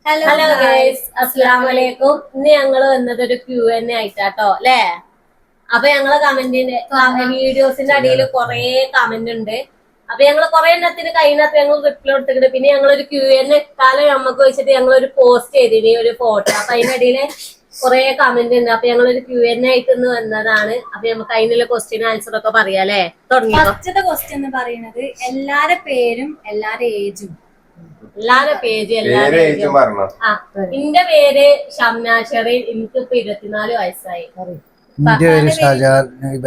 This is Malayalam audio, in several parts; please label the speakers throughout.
Speaker 1: ഹലോ ഗൈസ്, അസ്സലാമു അലൈക്കും. ഇന്ന് ഞങ്ങള് വന്നത് ഒരു Q&A ആയിട്ടാട്ടോ അല്ലേ. അപ്പൊ ഞങ്ങള് വീഡിയോസിന്റെ അടിയിൽ കൊറേ കമന്റ് ഉണ്ട്. അപ്പൊ ഞങ്ങള് കൊറേ എണ്ണത്തിന് കഴിഞ്ഞാൽ ഞങ്ങൾ റിപ്ലൈ കൊടുത്തിട്ടുണ്ട്. പിന്നെ ഞങ്ങളൊരു Q&A കാലം നമ്മക്ക് വെച്ചിട്ട് ഞങ്ങളൊരു പോസ്റ്റ് ചെയ്തിന് ഒരു ഫോട്ടോ. അപ്പൊ അതിനിടയില് കൊറേ കമന്റ് ഉണ്ട്. അപ്പൊ ഞങ്ങളൊരു Q&A ആയിട്ട് ഇന്ന് വന്നതാണ്. അപ്പൊ നമുക്ക് അതിനുള്ള ക്വസ്റ്റ്യൻ ആൻസർ ഒക്കെ പറയാല്ലേ. തുടങ്ങിയോ?
Speaker 2: ഫസ്റ്റത്തെ ക്വസ്റ്റ്യൻ എന്ന് പറയുന്നത് എല്ലാരെ പേരും എല്ലാരെ ഏജും.
Speaker 1: എല്ലാരും പേജ് എന്റെ പേര് ഷംന ഷെറീൻ. എനിക്കിപ്പോ 24 വയസ്സായി.
Speaker 3: എന്റെ പേര് ഷാജാൻ.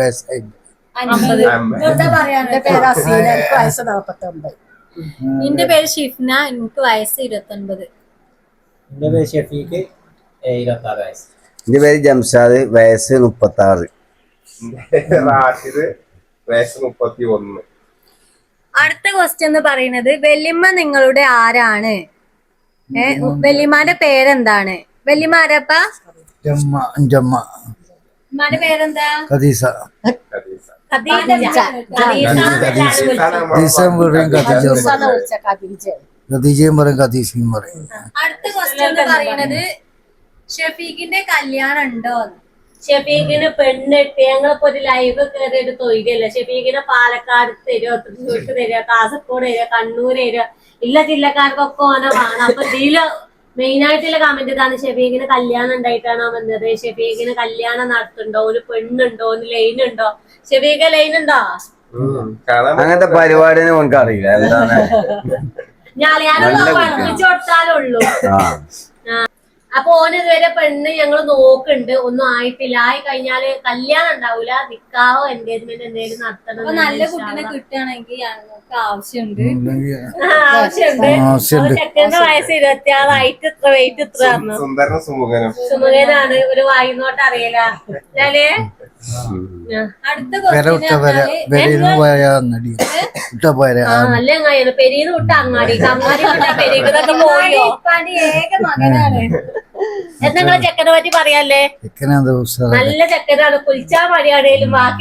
Speaker 2: എന്റെ പേര് ഷിഫ്ന. എനിക്ക് വയസ്സ് 29.
Speaker 4: എന്റെ പേര് ഷഫീഖ്, 26 വയസ്സ്.
Speaker 3: എന്റെ പേര് ജംഷാദ്, വയസ്സ് 36.
Speaker 5: റാഷിദ്, വയസ്സ് 31.
Speaker 2: അടുത്ത ക്വസ്റ്റ്യൻ എന്ന് പറയുന്നത് വെല്ലിമ്മ നിങ്ങളുടെ ആരാണ്? വെല്ലിമാന്റെ പേരെന്താണ്? വെല്ലിമ ആരപ്പ? ഉമ്മാന്റെ പേരെന്താ?
Speaker 3: ഖദീസ. ഖദീജയും പറയും, ഖദീസയും പറയും.
Speaker 2: അടുത്ത ക്വസ്റ്റ്യൻ എന്ന് പറയുന്നത് ഷഫീഖിന്റെ കല്യാണം ഉണ്ടോ?
Speaker 1: ഷഫീഖിന് പെണ്ണിട്ട് ഞങ്ങളിപ്പോ ഒരു ലൈവ് കയറിയിട്ട് തൊഴിലല്ല. ഷഫീഖിനെ പാലക്കാട് തരുമോ, തൃശ്ശൂർക്ക് തരിക, കാസർഗോഡ് തരിക, കണ്ണൂർ തരിക, ഇല്ല ജില്ലക്കാർക്കൊക്കെ ഓനെ വേണം. അപ്പൊ ഇതില് മെയിൻ ആയിട്ടുള്ള കമന്റ് ഇതാണ്: ഷഫീഖിന് കല്യാണം ഉണ്ടായിട്ടാണോ വന്നത്? ഷഫീഖിന് കല്യാണം നടത്തുന്നുണ്ടോ? ഒരു പെണ്ണുണ്ടോ? ഒരു ലൈൻ ഉണ്ടോ? ഷഫീഖ് ലൈൻ ഉണ്ടോ?
Speaker 3: അങ്ങനത്തെ പരിപാടിനെ നമുക്ക് അറിയില്ല എന്താണ്.
Speaker 1: ഞാനൊന്ന് പഠിപ്പിച്ചു കൊടുത്താലുള്ളൂ. അപ്പൊ ഓന് ഇതുവരെ പെണ്ണ് ഞങ്ങള് നോക്കുന്നുണ്ട്, ഒന്നും ആയിട്ടില്ല. ആയി കഴിഞ്ഞാല് കല്യാണം ഉണ്ടാവൂല, നിക്കാവോ എൻഗേജ്മെന്റ് എന്തെങ്കിലും നടത്തണം.
Speaker 2: നല്ല കുട്ടീനെ കിട്ടുകയാണെങ്കിൽ ഞങ്ങൾക്ക് ആവശ്യമുണ്ട്.
Speaker 1: ചെക്കന്റെ വയസ്സ് 26, ഹൈറ്റ് ഇത്ര, വെയിറ്റ് ഇത്ര.
Speaker 5: സുന്ദരനും സുമുഖനും.
Speaker 1: സുമുഖനാണ്, ഒരു വായിന്നോട്ട് അറിയില്ല. ഞാന്
Speaker 2: അടുത്ത ക്വസ്റ്റ്യൻ
Speaker 1: നല്ല അങ്ങാടിയാണ്. പെരീന്ന് വിട്ട അങ്ങാടി, അങ്ങാടി വിട്ട പെരീന്നൊക്കെ പോയോ?
Speaker 2: ഏക മകനാണ്.
Speaker 1: എന്തെങ്കിലും ചെക്കനെ പറ്റി പറയാല്ലേ? നല്ല ചെക്കനാണ്, കുളിച്ചാ മടിയാണേലും ബാക്കി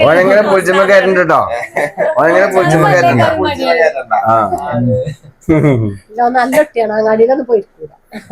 Speaker 6: നല്ല കുട്ടിയാണ്. അങ്ങാടിയിലൊന്നും പോയിരിക്കൂല.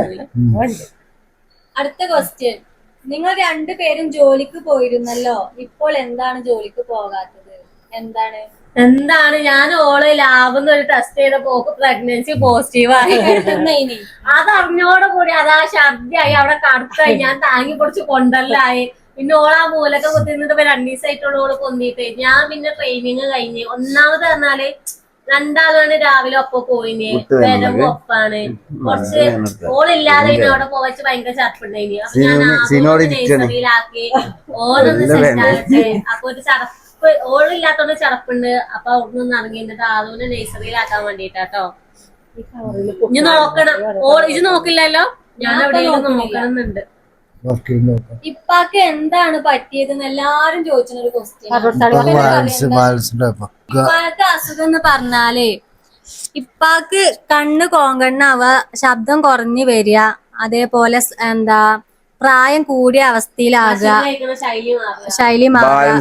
Speaker 2: അടുത്ത ക്വസ്റ്റ്യൻ: നിങ്ങൾ രണ്ടുപേരും ജോലിക്ക് പോയിരുന്നല്ലോ, ഇപ്പോൾ എന്താണ് ജോലിക്ക് പോകാത്തത്?
Speaker 1: എന്താണ് ഞാൻ ഓള് ലാബെന്ന് ഒരു ടെസ്റ്റ് ചെയ്ത പോക്ക് പ്രഗ്നൻസി പോസിറ്റീവായി. അത് അറിഞ്ഞോടെ കൂടി അതാ ഛർദിയായി, അവിടെ കടത്തായി, ഞാൻ താങ്ങി പൊടിച്ച് കൊണ്ടല്ലായി. പിന്നെ ഓളാ മൂലൊക്കെ കുത്തിന്നിട്ട് 2 ദിവസമായിട്ടുള്ള ഓള് പൊന്തിട്ട് ഞാൻ പിന്നെ ട്രെയിനിങ് കഴിഞ്ഞ്. ഒന്നാമത് പറഞ്ഞാല് രണ്ടാളാണ് രാവിലെ ഒപ്പം പോയിന്, വരവ് ഒപ്പാണ്. കുറച്ച് ഓളില്ലാതെ പിന്നെ അവിടെ പോവച്ച് ഭയങ്കര ചടപ്പുണ്ടായിന്. അപ്പൊ ഞാൻ നഴ്സറിയിലാക്കി ഓരോന്ന് സെറ്റാകട്ടെ. അപ്പൊ ഒരു ചടപ്പ്, ഓളില്ലാത്തോണ്ട് ചടപ്പുണ്ട്. അപ്പൊ അവിടുന്ന് ഇറങ്ങിയിട്ട് ആളൂനെ നഴ്സറിയിലാക്കാൻ വേണ്ടിട്ടാട്ടോ. ഇനി നോക്കണം. ഇത് നോക്കില്ലല്ലോ, ഞാൻ എവിടെയെങ്കിലും നോക്കണമെന്നുണ്ട്.
Speaker 2: ഇപ്പാക്ക് എന്താണ് പറ്റിയതെന്ന് എല്ലാരും ചോദിച്ചൊരു ക്വസ്റ്റ്യൻ. ഇപ്പാക്ക് അസുഖം എന്ന് പറഞ്ഞാല് ഇപ്പാക്ക് കണ്ണ് കോങ്കണ്ണാവുക, ശബ്ദം കുറഞ്ഞു വരിക, അതേപോലെ പ്രായം കൂടിയ അവസ്ഥയിലാകുക, ശൈലി മാറുക.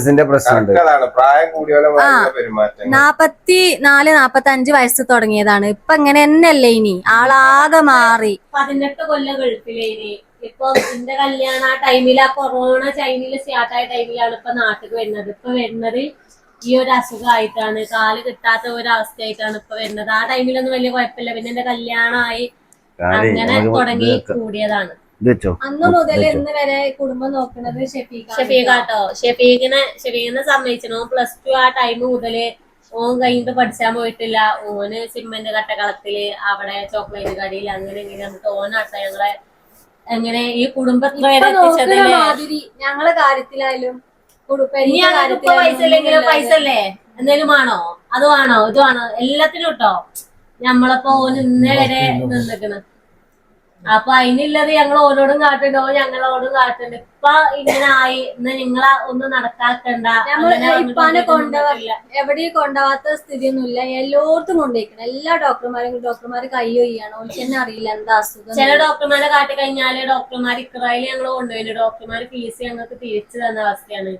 Speaker 2: 44-45 വയസ്സ് തുടങ്ങിയതാണ്. ഇപ്പൊ ഇങ്ങനെ തന്നെയല്ലേ? ഇനി ആളാകെ മാറി.
Speaker 1: 18 കൊല്ലം ഗൾഫിലേനി. ഇപ്പൊ എന്റെ കല്യാണം ആ ടൈമില്, ആ കൊറോണ ചൈനയില് സ്റ്റാർട്ടായ ടൈമിലാണ് ഇപ്പൊ നാട്ടിൽ വരുന്നത്. ഇപ്പൊ വരുന്നത് ഈ ഒരു അസുഖമായിട്ടാണ്, കാല് കിട്ടാത്ത ഒരു അവസ്ഥയായിട്ടാണ് ഇപ്പൊ വരുന്നത്. ആ ടൈമിലൊന്നും വലിയ കുഴപ്പമില്ല. പിന്നെ എന്റെ കല്യാണമായി, അങ്ങനെ തുടങ്ങി കൂടിയതാണ്.
Speaker 2: അന്ന് മുതൽ ഇന്ന് വരെ കുടുംബം നോക്കുന്നത്
Speaker 1: ഷഫീഖാട്ടോ. ഷഫീഖിനെ സമ്മതിച്ചു. +2 ആ ടൈം മുതല് ഓൻ കഴിഞ്ഞിട്ട് പഠിച്ചാൻ പോയിട്ടില്ല. ഓന് സിമെന്റ് കട്ടകളത്തില്, അവിടെ ചോക്ലേറ്റ് കടയിൽ, അങ്ങനെ ഇങ്ങനെ എന്നിട്ട് ഓനാട്ടോ ഞങ്ങളെ എങ്ങനെ ഈ കുടുംബത്തിൽ
Speaker 2: മാതിരി ഞങ്ങളെ കാര്യത്തിലായാലും
Speaker 1: പൈസ ഇല്ലെങ്കിലും പൈസ അല്ലേ എന്തേലും ആണോ, അത് വേണോ, ഇത് വേണോ, എല്ലാത്തിനും ഇട്ടോ ഞമ്മളപ്പോ ഓന് ഇന്നേ വരെ നിന്നിക്കണ്. അപ്പൊ അതിനുള്ളത് ഞങ്ങൾ ഓരോടും കാട്ടുണ്ടോ, ഞങ്ങളോടും കാട്ടുണ്ട്. ഇപ്പൊ ഇങ്ങനെ ആയി, ഇന്ന് നിങ്ങളെ ഒന്നും നടക്കാക്കണ്ട.
Speaker 2: ഇപ്പാനെ എവിടെയും കൊണ്ടുപോകാത്ത സ്ഥിതിയൊന്നുമില്ല. എല്ലായിടത്തും കൊണ്ടുപോയിക്കണം. എല്ലാ ഡോക്ടർമാര് കയ്യൊയ്യാണ്. ഓൾക്ക് തന്നെ അറിയില്ല എന്താ അസുഖം.
Speaker 1: ചില ഡോക്ടർമാരെ കാട്ടി കഴിഞ്ഞാല് ഡോക്ടർമാർ ഇക്രായിൽ ഞങ്ങൾ കൊണ്ടുപോയില്ല. ഡോക്ടർമാര് ഫീസ് ഞങ്ങൾക്ക് തിരിച്ചു തന്ന അവസ്ഥയാണ്.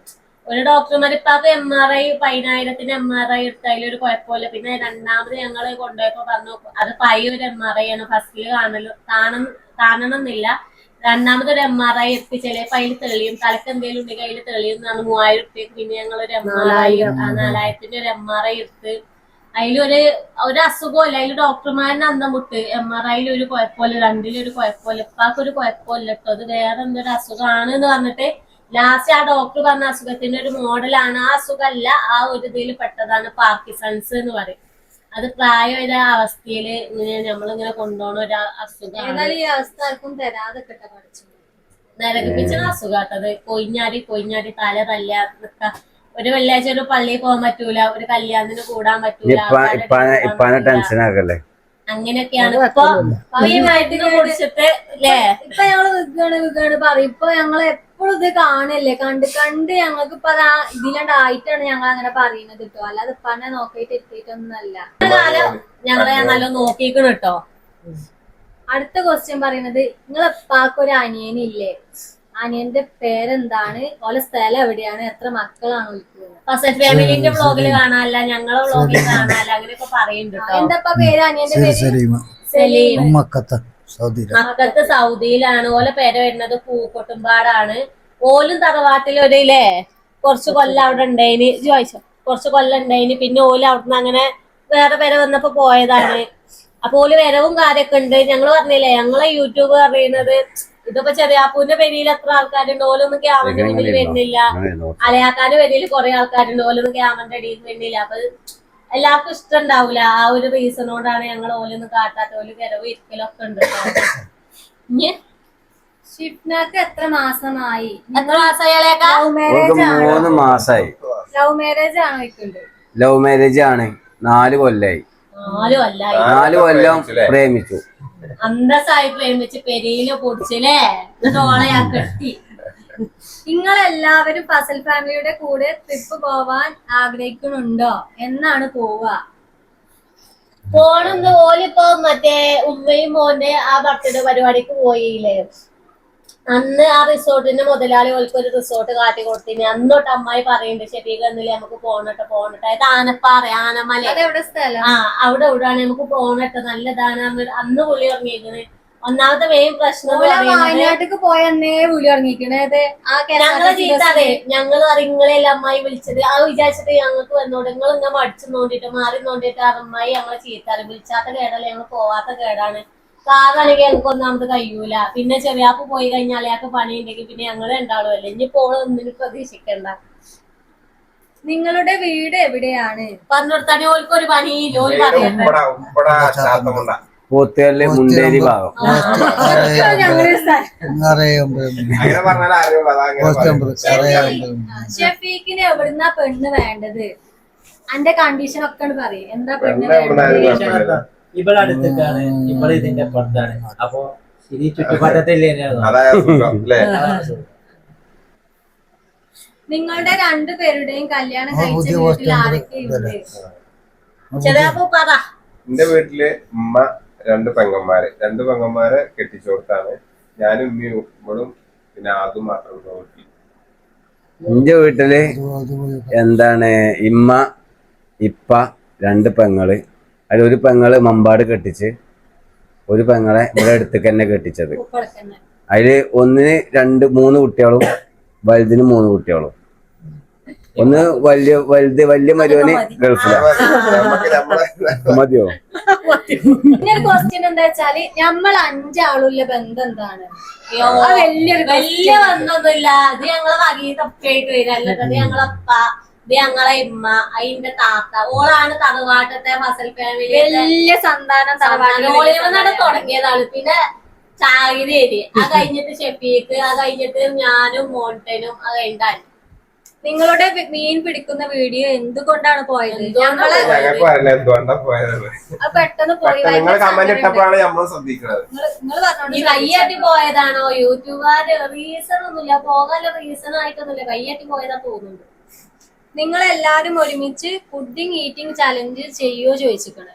Speaker 1: ഒരു ഡോക്ടർമാർ ഇപ്പൊക്കെ MRI 10,000 MRI എടുത്ത് അതിലൊരു കുഴപ്പമില്ല. പിന്നെ രണ്ടാമത് ഞങ്ങള് കൊണ്ടുപോയപ്പോ പറഞ്ഞു അത് പയ്യൊരു MRI ആണ്, ഫസ്റ്റില് കാണണമെന്നില്ല. രണ്ടാമതൊരു MRI എടുത്ത് ചിലപ്പോ അതിൽ തെളിയും, തലക്ക് എന്തെങ്കിലും ഉണ്ടെങ്കിൽ അതിൽ തെളിയും എന്നാണ് 3,000 റുപ്യക്ക്. പിന്നെ ഞങ്ങളൊരു MRI 4,000 ഒരു MRI എടുത്ത് ഒരു അസുഖമില്ല. അതിൽ ഡോക്ടർമാരിന് അന്തം വിട്ട് MRIയിൽ ഒരു കുഴപ്പമില്ല, രണ്ടിലൊരു കുഴപ്പമില്ല, ഇപ്പാക്കൊരു കുഴപ്പമില്ല കേട്ടോ, അത് വേറെ എന്തൊരു അസുഖമാണ് എന്ന് പറഞ്ഞിട്ട് ലാസ്റ്റ് ആ ഡോക്ടർ പറഞ്ഞ അസുഖത്തിന്റെ ഒരു മോഡലാണ്. ആ അസുഖമല്ല, ആ ഒരു ഇതിൽ പെട്ടതാണ് പാർക്കിൻസൺസ് എന്ന് പറയും. അത് പ്രായമായ അവസ്ഥയില് ഇങ്ങനെ നമ്മളിങ്ങനെ കൊണ്ടുപോകണ ഒരു അസുഖമാണ്.
Speaker 2: ഏതായാലും ഈ അവസ്ഥ ആർക്കും തരാതെ കിട്ടാൻ പഠിച്ചു
Speaker 1: നരകിപ്പിച്ച അസുഖാട്ടത്. കൊയിഞ്ഞാടി തല തല്ല നിക്ക. ഒരു വെള്ളിയാഴ്ച ഒരു പള്ളിയിൽ പോകാൻ പറ്റൂല, ഒരു കല്യാണത്തിന് കൂടാൻ പറ്റൂല,
Speaker 3: ടെൻഷൻ ആക്കല്ലേ.
Speaker 1: അങ്ങനെയൊക്കെയാണ് ഇപ്പൊ ഈ മരുന്ന് കുടിച്ചിട്ട് അല്ലേ.
Speaker 2: ഇപ്പൊ ഞങ്ങള് വിൽക്കാണ് പറയും. ഇപ്പൊ ഞങ്ങള് എപ്പോഴും ഇത് കാണല്ലേ, കണ്ട് ഞങ്ങൾക്ക് ഇപ്പൊ ഇതിലാണ്ടായിട്ടാണ് ഞങ്ങൾ അങ്ങനെ പറയുന്നത് കേട്ടോ. അല്ലാതെ ഇപ്പന്നെ നോക്കിയിട്ട് എത്തിയിട്ടൊന്നല്ല.
Speaker 1: കാലം ഞങ്ങളെ നല്ല നോക്കിക്കണം കേട്ടോ.
Speaker 2: അടുത്ത ക്വസ്റ്റ്യൻ പറയുന്നത്, നിങ്ങളെ ഉപ്പാക്കൊരു അനിയനില്ലേ? അനിയന്റെ പേരെന്താണ്? ഓലെ സ്ഥലം എവിടെയാണ്? എത്ര മക്കളാണ് വിളിക്കുന്നത്?
Speaker 1: ഫസ്റ്റ് ഫാമിലിന്റെ വ്ളോഗില് കാണാനല്ല, ഞങ്ങളെ വ്ളോഗിൽ കാണാനല്ല, അങ്ങനെയൊക്കെ പറയുന്നുണ്ട്.
Speaker 2: എന്താ പേര് അനിയന്റെ പേര്?
Speaker 1: സലീം.
Speaker 3: മക്കത്ത്
Speaker 1: സൗദിയിലാണ്. ഓലെ പേര് വരുന്നത് പൂക്കോട്ടുംപാടാണ്. ഓലും തറവാട്ടിലൊരില്ലേ കുറച്ച് കൊല്ലം അവിടെ ഉണ്ടായിന്. ചോദിച്ചോ, കുറച്ച് കൊല്ലം ഉണ്ടായിന്. പിന്നെ ഓല് അവിടുന്ന് അങ്ങനെ വേറെ പേരെ വന്നപ്പോ പോയതാണ്. അപ്പൊ ഓല് വരവും കാര്യമൊക്കെ ഉണ്ട്. ഞങ്ങള് പറഞ്ഞില്ലേ ഞങ്ങളെ യൂട്യൂബ് പറയുന്നത് ഇതിപ്പോ ചെറിയാപ്പൂന്റെ പെരിയിൽ എത്ര ആൾക്കാരുണ്ട്, ഓലൊന്നും ക്യാമറന്റെ മുന്നിൽ വരുന്നില്ല. അലയാക്കാന്റെ പെരിയിൽ കുറെ ആൾക്കാരുണ്ട്, ഓലൊന്നും ക്യാമറന്റെ അടിയിൽ വരുന്നില്ല. അപ്പൊ എല്ലാവർക്കും ഇഷ്ടം ഉണ്ടാവൂല. ആ ഒരു റീസണോടാണ് ഞങ്ങൾ ഓലൊന്നും കാട്ടാത്ത. ഓല് വരവ് ഇരിക്കലൊക്കെ ഉണ്ട്.
Speaker 2: ഷിഫ്നാക്ക് എത്ര മാസമായി?
Speaker 1: എത്ര മാസമായി അലയാക്ക?
Speaker 2: ലവ് മാരേജ് ആണ്.
Speaker 3: 3 മാസായി.
Speaker 2: ലവ് മാരേജ് ആണോ ഇട്ടുണ്ട്?
Speaker 3: ലവ് മാരേജ് ആണ്. 4 കൊല്ലായി. 4 കൊല്ലം പ്രേമിച്ചു.
Speaker 1: അന്തസ്സായി പ്രേമിച്ച് പെരിയില് പൊടിച്ചില്ലേ, എന്നിട്ട് ഓളെ ഞാൻ കെട്ടി.
Speaker 2: നിങ്ങളെല്ലാവരും ഫസൽ ഫാമിലിയുടെ കൂടെ ട്രിപ്പ് പോവാൻ ആഗ്രഹിക്കുന്നുണ്ടോ? എന്നാണ് പോവാ?
Speaker 1: പോണെന്ന് ഓലിപ്പോ മറ്റേ ഉമ്മയും മോന്റെ ആ ബർത്ത്ഡേ പരിപാടിക്ക് പോയില്ലേ, അന്ന് ആ റിസോർട്ടിന്റെ മുതലാളി ഓൾക്ക് ഒരു റിസോർട്ട് കാട്ടി കൊടുത്തിന്. അന്നോട്ട് അമ്മായി പറയുന്നുണ്ട് ശരിക്കും എന്നില്ലേ നമുക്ക് പോണട്ടെ. അത് ആനപ്പാറ, ആനമല.
Speaker 2: അതെവിടെ സ്ഥലം?
Speaker 1: അവിടെ എവിടെയാണ് നമുക്ക് പോണട്ടെ, നല്ലതാണ്. അന്ന് പുള്ളി ഇറങ്ങിയിരിക്കുന്നത്. ഒന്നാമത്തെ മെയിൻ പ്രശ്നം
Speaker 2: വയനാട്ടിക്ക് പോയെന്നേ പുലി ഇറങ്ങിക്കണത്.
Speaker 1: ഞങ്ങളെ ചീത്താതെ ഞങ്ങള് അറിങ്ങളെല്ലാം അമ്മായി വിളിച്ചത് ആ വിചാരിച്ചിട്ട് ഞങ്ങൾക്ക് വന്നോണ്ട് നിങ്ങൾ ഇങ്ങനെ മടിച്ചു നോണ്ടിട്ട് മാറി നോണ്ടിട്ട് അമ്മായി ഞങ്ങളെ ചീത്താറ്. വിളിച്ചാത്ത കേടല്ല, ഞങ്ങൾ പോവാത്ത കേടാണ്. കാറാണെങ്കിൽ ഞങ്ങൾക്ക് ഒന്നാമത് കഴിയൂല. പിന്നെ ചെറിയാപ്പ് പോയി കഴിഞ്ഞാൽ അയാൾക്ക് പണി ഉണ്ടെങ്കിൽ പിന്നെ ഞങ്ങള് ഉണ്ടാവുമല്ലേ. ഇനി പോള് ഒന്നിനും പ്രതീക്ഷിക്കണ്ട.
Speaker 2: നിങ്ങളുടെ വീട് എവിടെയാണ്?
Speaker 1: പറഞ്ഞുകൊടുത്താൽ ഓൽക്ക് ഒരു പണി ജോലി പറയണ്ട.
Speaker 3: പോത്തുകല്ല് മുണ്ടേരി ഭാഗം.
Speaker 2: ഷെഫീഖിന് എവിടുന്നാ പെണ്ണ് വേണ്ടത്? അന്റെ കണ്ടീഷൻ ഒക്കെ പറയും. എന്താ പെണ്ണ് വേണ്ടത്?
Speaker 4: ഇവിടെ അടുത്തേക്കാണ്, ഇവിടെ ഇതിന്റെ പുറത്താണ്. അപ്പൊ ഇത് ചുറ്റുപാട്ടത്തില്ലേ?
Speaker 2: നിങ്ങളുടെ 2 പേരുടെയും കല്യാണം കഴിച്ച വീട്ടിൽ ആരൊക്കെയുണ്ട്?
Speaker 1: ചെറിയാപ്പൂ പറ.
Speaker 5: എന്റെ വീട്ടില് ഉമ്മ 2 പെങ്ങന്മാരെ കെട്ടിച്ചു കൊടുത്താണ്. ഞാനും ഉമ്മയും ഉമ്മളും പിന്നെ അതും മാത്രം നോക്കി.
Speaker 3: എന്റെ വീട്ടില് എന്താണ് ഇമ്മ, ഇപ്പ, 2 പെങ്ങള്. അതിലൊരു പെങ്ങള് മമ്പാട് കെട്ടിച്ച്, ഒരു പെങ്ങളെ ഇവിടെ അടുത്തേക്ക് തന്നെ കെട്ടിച്ചത്. അതില് ഒന്നിന് 3 കുട്ടികളും വലുതിന് 3 കുട്ടികളും. ഒന്ന് വലിയ മരുവന് ഗൾഫിലാണ്. മതിയോ?
Speaker 2: പിന്നെ ഒരു ക്വസ്റ്റ്യൻ എന്താ വെച്ചാല് നമ്മൾ 5 ആളുള്ള ബന്ധം എന്താണ്?
Speaker 1: വലിയ ബന്ധമൊന്നുമില്ല. ഇത് ഞങ്ങളെ വകീതൊക്കെ ആയിട്ട് വരും. അല്ലാതെ ഞങ്ങളപ്പ, ഇത് ഞങ്ങളെ ഇമ്മ, അതിന്റെ താത്ത, ഓളാണ് തറവാട്ടത്തെ ഫസൽ ഫാമിലി
Speaker 2: വലിയ സന്താനം
Speaker 1: ഓളിവന്നാണ് തുടങ്ങിയതാണ്. പിന്നെ ചാകിരി, അത് കഴിഞ്ഞിട്ട് ഷെഫീഖ്, അത് കഴിഞ്ഞിട്ട് ഞാനും മോണ്ടനും, അത് കഴിഞ്ഞാൽ
Speaker 2: നിങ്ങളുടെ മീൻ പിടിക്കുന്ന വീഡിയോ എന്തുകൊണ്ടാണ് പോയത്?
Speaker 5: ഞങ്ങൾക്ക് അറിയില്ല എന്തുകൊണ്ടാ പോയത്.
Speaker 2: പെട്ടെന്ന് പോയി.
Speaker 5: നിങ്ങൾ കമന്റ് ഇട്ടപ്പോഴാണ് നമ്മൾ ശ്രദ്ധിക്കുന്നത്.
Speaker 1: ഈ കയ്യാട്ടി പോയതാണോ? യൂട്യൂബുകാര് റീസൺ ഒന്നുമില്ല, പോകാനുള്ള റീസൺ ആയിട്ടൊന്നുമില്ല, കയ്യാട്ടി പോയതാ തോന്നുന്നുണ്ട്.
Speaker 2: നിങ്ങൾ എല്ലാരും ഒരുമിച്ച് പുഡിംഗ് ഈറ്റിംഗ് ചലഞ്ച് ചെയ്യോ ചോദിച്ചിരിക്കണേ.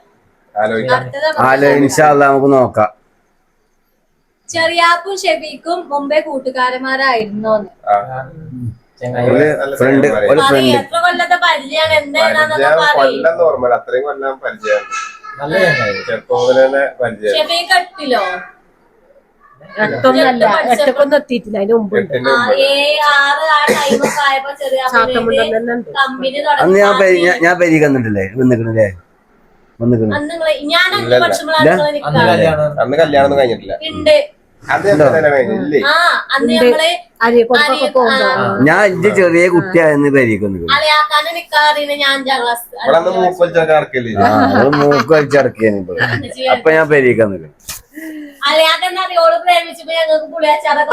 Speaker 3: നമുക്ക് നോക്കാം.
Speaker 2: ചെറിയാപ്പും ഷെഫീഖും മുമ്പേ കൂട്ടുകാരന്മാരായിരുന്നോന്ന്?
Speaker 4: ചങ്ങായി
Speaker 3: ഫ്രണ്ട് ഒരു
Speaker 1: പറയ്,
Speaker 3: ഫ്രണ്ട്
Speaker 1: എത്ര കൊല്ലത്തെ പരിചയമാണ് എന്താണെന്നൊക്കെ
Speaker 5: പരിചയം
Speaker 1: പറയും.
Speaker 5: കൊല്ലം ഓർമ്മ, അത്രയും കൊല്ലം പരിചയമാണ്.
Speaker 4: നല്ല ചങ്ങായി.
Speaker 5: ചെറുപ്പം മുതൽ തന്നെ പരിചയം.
Speaker 1: ഷെഫീ കട്ടിലോ
Speaker 6: എട്ടൊന്നല്ല എട്ടൊക്കൊന്നും എത്തിയിട്ടില്ല അതിന് മുമ്പ്
Speaker 5: 8ന്റെ
Speaker 1: ആ,
Speaker 5: മുമ്പ്
Speaker 1: 7, 6 ആ ടൈമൊക്കെ ആയപ്പോ ചെറിയ
Speaker 6: ചാത്തമുണ്ടൻ തന്നെ ഉണ്ട്.
Speaker 1: കമ്പനി
Speaker 3: അന്ന്
Speaker 1: തുടങ്ങി.
Speaker 3: ഞാൻ പെരീ വന്നിട്ടില്ലേ വന്നിക്കണല്ലേ വന്നിക്കണ്
Speaker 1: അന്ന് നിങ്ങള് ഞാൻ 5 വർഷങ്ങളാണ് നിങ്ങള്
Speaker 4: അന്ന്
Speaker 1: നിക്കാറ്.
Speaker 4: കല്യാണം
Speaker 5: അന്ന് കല്യാണം ഒന്നും കഴിഞ്ഞിട്ടില്ല.
Speaker 1: ഉണ്ട്.
Speaker 5: അത് തന്നെ കഴിഞ്ഞില്ലേ?
Speaker 1: ആ, അന്ന് ഞങ്ങള്
Speaker 6: അരിയക്കൊക്കെ പോകുമ്പോ
Speaker 3: ഞാൻ ഇജ്ജ് ചെറിയ കുട്ടിയായിരുന്നു പെരീക്ക് വന്നിക്കണ്.
Speaker 1: അലയാക്കാനെ നിക്കാറിന് ഞാൻ 5ാം ക്ലാസ്.
Speaker 5: ഇവിടെ അന്ന് മൂപ്പൽച്ചൊക്കെ നടക്കല്ലേ?
Speaker 3: മൂക്ക് വലിച്ചടക്കിയാണ് അപ്പൊ ഞാൻ പെരീക്ക് വന്നിക്കണ്.
Speaker 1: അലയാക്കെന്നാ ഓള് പ്രേമിച്ചപ്പോ ഞങ്ങൾക്ക് പുളിയാച്ചാറൊക്കെ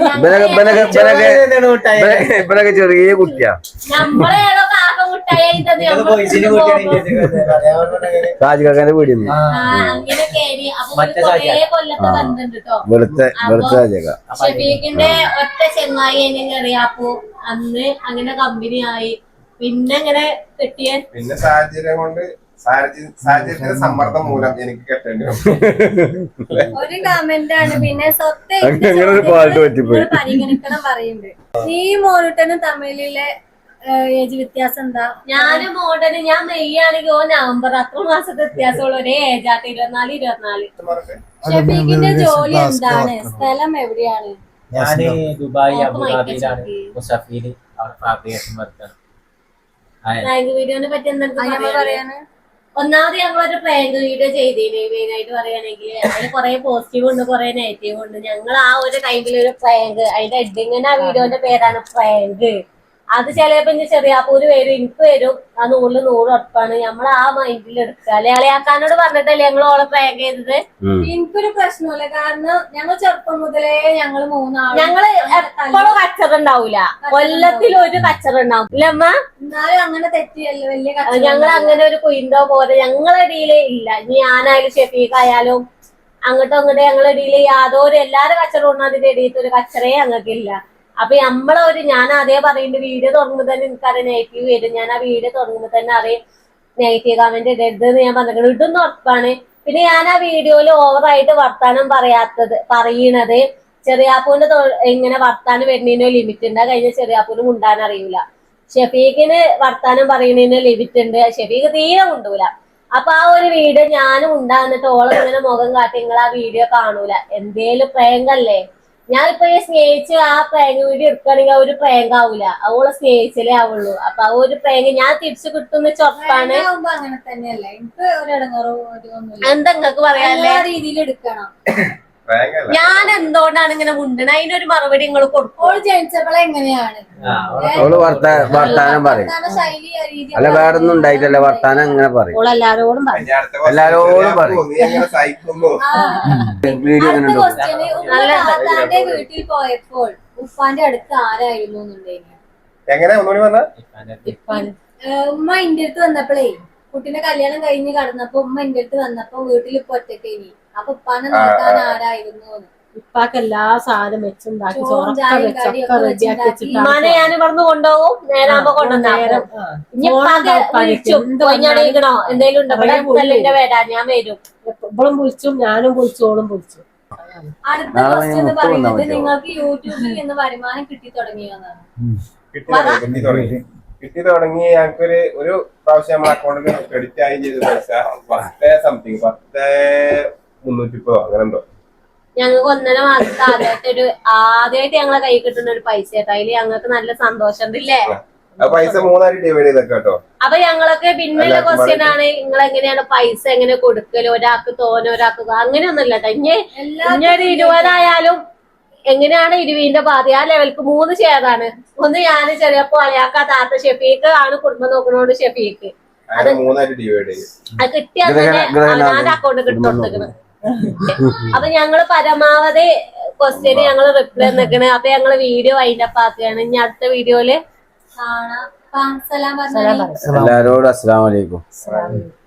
Speaker 3: ഇവരൊക്കെ ചെറിയ കുട്ടിയാ.
Speaker 1: നമ്മളെ ഏതോ കാക്ക മുട്ടായി
Speaker 3: രാജകാക്കാന്റെ വീടിന്ന്
Speaker 1: അങ്ങനെയൊക്കെ അപ്പൊ
Speaker 4: മറ്റേ
Speaker 1: കൊറേ കൊല്ലത്തെ ബന്ധുണ്ട് കേട്ടോ.
Speaker 3: വെളുത്ത രാജക.
Speaker 1: ഷെഫീഖിന്റെ ഒറ്റ ചെങ്ങായി അറിയാപ്പോ അന്ന് അങ്ങനെ കമ്പനി ആയി. പിന്നെ ഇങ്ങനെ കെട്ടിയ
Speaker 5: പിന്നെ സാഹചര്യം കൊണ്ട് സാഹചര്യത്തിന്റെ സമ്മർദ്ദം മൂലം എനിക്ക് കെട്ടേണ്ടി വന്നു.
Speaker 2: ഒരു കമന്റ് ആണ് പിന്നെ സ്വത്ത്
Speaker 3: അങ്ങനെ ഒരു പാട്ട് പറ്റിപ്പോയി.
Speaker 2: പരിഗണിക്കണം പറയുന്നുണ്ട്. നീ മോനുട്ടനും തമ്മിലുള്ള ഏജ് വ്യത്യാസം എന്താ?
Speaker 1: ഞാനും മോഡന് ഞാൻ മെയ് ആണെങ്കിൽ ഓ നവംബർ, അത്ര മാസത്തെ വ്യത്യാസമുള്ള ഒരേ ഏജാട്ട് 24.
Speaker 2: ഷെഫീഖിന്റെ ജോലി എന്താണ്? സ്ഥലം എവിടെയാണ്?
Speaker 4: ഞാന് ദുബായ്
Speaker 1: ഓക്ക്
Speaker 4: അബുദാബിയിലാണ്
Speaker 1: മൈക്ക്
Speaker 4: മുസഫീല് അവിടെ ഫാബ്രിക്കേഷൻ വർക്കാണ്.
Speaker 1: പ്രാങ്ക് വീഡിയോനെ പറ്റി എന്തെങ്കിലും
Speaker 2: നമ്മൾ
Speaker 1: പറയാന്?
Speaker 2: പറയാന്
Speaker 1: ഒന്നാമത് ഞങ്ങളൊരു പ്രാങ്ക് വീഡിയോ ചെയ്തീന്. മെയിൻ ആയിട്ട് പറയുകയാണെങ്കിൽ അതിൽ കുറെ പോസിറ്റീവ് ഉണ്ട്, കുറെ നെഗറ്റീവ് ഉണ്ട്. ഞങ്ങൾ ആ ഒരു ടൈമിൽ ഒരു പ്രാങ്ക്, അതിന്റെ എഡിങ്ങിന് ആ വീഡിയോന്റെ പേരാണ് പ്രാങ്ക്. അത് ചിലപ്പോ ഇനി ചെറിയാപ്പൂര് വരും, എനിക്ക് വരും. ആ 100 ഉറപ്പാണ്. നമ്മൾ ആ മൈൻഡിൽ എടുക്കുക. അലയാക്കാനോട് പറഞ്ഞിട്ടല്ലേ ഞങ്ങൾ ഓളെ പ്രാങ്ക് ചെയ്തത്.
Speaker 2: എനിക്കൊരു പ്രശ്നമില്ല, കാരണം ഞങ്ങൾ ചെറുപ്പം മുതലേ ഞങ്ങള് മൂന്നാളും
Speaker 1: ഞങ്ങള് എപ്പോഴും കച്ചറുണ്ടാവൂല, കൊല്ലത്തിൽ ഒരു കച്ചറുണ്ടാവും ഇല്ല അമ്മ.
Speaker 2: എന്നാലും അങ്ങനെ തെറ്റിയല്ലോ വലിയ
Speaker 1: ഞങ്ങൾ അങ്ങനെ ഒരു കുയിന്തോ പോലെ ഞങ്ങളുടെ ഇടയിൽ ഇല്ല. ഇനി ഞാനായാലും ഷെഫീഖായാലും അങ്ങോട്ടും അങ്ങോട്ടും ഞങ്ങളുടെ ഇടയിൽ യാതൊരു എല്ലാരും കച്ചറ അതിന്റെ ഇടയിൽ ഒരു കച്ചറേ ഞങ്ങൾക്കില്ല. അപ്പൊ നമ്മളൊരു ഞാൻ അതേ പറയുന്നുണ്ട്, വീഡിയോ തുടങ്ങുമ്പോൾ തന്നെ എനിക്കറിയാം നെഗറ്റീവ് വരും. ഞാൻ ആ വീഡിയോ തുടങ്ങുമ്പോൾ തന്നെ അറിയാം നെഗറ്റീവ് കമന്റ് ഇടരുത് എന്ന് ഞാൻ പറഞ്ഞിട്ടുണ്ട്. ഇതൊന്നും ഉറപ്പാണ്. പിന്നെ ഞാൻ ആ വീഡിയോയിൽ ഓവറായിട്ട് വർത്താനം പറയണത് ചെറിയാപ്പൂന്റെ ഇങ്ങനെ വർത്താനം വരുന്നതിനോ ലിമിറ്റ് ഉണ്ട്. കഴിഞ്ഞ ചെറിയാപ്പൂന് മുണ്ടാൻ അറിയൂല. ഷെഫീഖിന് വർത്താനം പറയുന്നതിന് ലിമിറ്റ് ഉണ്ട്. ഷെഫീഖ് തീരെ മുണ്ടൂല. അപ്പൊ ആ ഒരു വീഡിയോ ഞാനും ഉണ്ടാകുന്നിട്ട് ഓളം ഇങ്ങനെ മുഖം കാട്ടി നിങ്ങൾ ആ വീഡിയോ കാണൂല. എന്തേലും പ്രേങ്കല്ലേ. ഞാനിപ്പോ ഈ സ്നേഹിച്ച് ആ പ്രാങ്ക് വീഡിയോ എടുക്കുകയാണെങ്കിൽ ആ ഒരു പ്രാങ്ക് ആവൂല, അവളെ സ്നേഹിച്ചല്ലേ ആവുള്ളൂ. അപ്പൊ ആ ഒരു പ്രാങ്ക് ഞാൻ തിരിച്ചു കിട്ടുന്ന ചൊപ്പാണ്.
Speaker 2: അങ്ങനെ തന്നെയല്ല, എനിക്ക് ഒരിടങ്ങറോ ഒന്നുമില്ല.
Speaker 1: എന്താ നിങ്ങക്ക് പറയാല്ലേ?
Speaker 2: എല്ലാ രീതിയിൽ എടുക്കണം.
Speaker 1: ഞാൻ എന്തുകൊണ്ടാണ് ഇങ്ങനെ മുണ്ടണ അതിനൊരു മറുപടി നിങ്ങൾ കൊടുക്കും.
Speaker 2: ഓള് ജനിച്ചപ്പോളെ എങ്ങനെയാണ്
Speaker 3: അവള് വർത്താനം പറയും.
Speaker 2: ശൈലി രീതി
Speaker 3: അല്ല വേറൊന്നും ഉണ്ടായിട്ടല്ല, വർത്താനം അങ്ങനെ പറയും.
Speaker 6: ഓളെല്ലാരോടും പറയും.
Speaker 3: എല്ലാരോടും പറയും. വീഡിയോ
Speaker 2: അടുത്ത
Speaker 3: അങ്ങനെ
Speaker 2: ക്വസ്റ്റ്യന് ഉപ്പാന്റെ വീട്ടിൽ പോയപ്പോൾ ഉപ്പാന്റെ അടുത്ത് ആരായിരുന്നു എന്നുണ്ടെങ്കിൽ
Speaker 5: എങ്ങനെ ഒന്നുകൂടി പറഞ്ഞ
Speaker 2: ഉമ്മ എന്റെ അടുത്ത് വന്നപ്പോഴേ കുട്ടീനെ കല്യാണം കഴിഞ്ഞ് കടന്നപ്പോ ഉമ്മ എന്റെ അടുത്ത് വന്നപ്പോ വീട്ടിൽ ഇപ്പൊ ഒറ്റക്കേനി. അപ്പൊ ഉപ്പാനെ നോക്കാൻ ആരായിരുന്നു?
Speaker 6: ഉപ്പാക്ക് എല്ലാ സാധനം വെച്ചുണ്ടാക്കി
Speaker 2: ചോറും
Speaker 6: ചോറൊക്കെ
Speaker 2: ചായയും
Speaker 6: വെച്ചൊക്കെ
Speaker 2: കടിയൊക്കെ
Speaker 6: റെഡിയാക്കി
Speaker 2: വെച്ചുണ്ടാക്കി.
Speaker 1: ഉമ്മാനെ ഞാൻ ഇവിടുന്ന് കൊണ്ടുപോകും, നേരാകുമ്പോ കൊണ്ടുവന്നേരം വിളിച്ചോ എന്തേലും ഉണ്ടോ എന്റെ വരാ ഞാൻ വരും.
Speaker 6: ഇവളും വിളിച്ചും ഞാനും വിളിച്ചു ഓളും വിളിച്ചു.
Speaker 2: അടുത്ത ക്വസ്റ്റ്യൻ എന്ന് പറയുന്നത് നിങ്ങൾക്ക് യൂട്യൂബിൽ നിന്ന് വരുമാനം കിട്ടി തുടങ്ങിയതാണ്.
Speaker 5: കിട്ടി തുടങ്ങി. ഞങ്ങൾക്കൊരു ഒരു പ്രാവശ്യം നമ്മുടെ അക്കൗണ്ടിൽ ക്രെഡിറ്റ് ആയി ചെയ്ത പൈസ 10 സംതിങ് 10,330 അങ്ങനെ എന്തോ.
Speaker 1: ഞങ്ങൾക്ക് 1.5 മാസത്തെ ആദ്യമായിട്ട് ഞങ്ങളെ കൈ കിട്ടുന്ന ഒരു പൈസ കേട്ടോ. അതില് ഞങ്ങൾക്ക് നല്ല സന്തോഷം ഉണ്ടല്ലേ.
Speaker 5: ആ പൈസ 3 ഡിവൈഡ് ചെയ്തൊക്കെ കേട്ടോ.
Speaker 1: അപ്പൊ ഞങ്ങളൊക്കെ പിന്നെയുള്ള ക്വസ്റ്റ്യൻ ആണ്, നിങ്ങൾ എങ്ങനെയാണ് പൈസ എങ്ങനെ കൊടുക്കല്? ഒരാൾക്ക് തോനെ ഒരാൾക്ക് അങ്ങനെയൊന്നും ഇല്ല കേട്ടോ. ഇനി ഒരു 20 ആയാലും എങ്ങനെയാണ് 20ന്റെ പാതി ആ ലെവൽക്ക് 3 ഷെയറാണ്. ഒന്ന് ഞാൻ ചെറിയപ്പോ അയാൾക്ക് താത്ത ഷെഫീക്ക് ആണ് കുടുംബം നോക്കുന്നോണ്ട് ഷെഫീക്ക്
Speaker 5: അത് 3 ഡിവൈഡ് ചെയ്യും.
Speaker 1: അത് കിട്ടിയാൽ തന്നെ അവനാന്റെ അക്കൗണ്ട് കിട്ടുകൊടുത്തേക്കണ്. അപ്പൊ ഞങ്ങള് പരമാവധി ക്വസ്റ്റ്യന് ഞങ്ങള് റിപ്ലൈ നിൽക്കണ്. അപ്പൊ ഞങ്ങള് വീഡിയോ വൈൻഡപ്പ് ആക്കുകയാണ്. ഇനി അടുത്ത വീഡിയോയില്
Speaker 2: കാണാം. സലാം പറഞ്ഞാൽ
Speaker 3: എല്ലാരോടും അസ്സലാമു അലൈക്കും.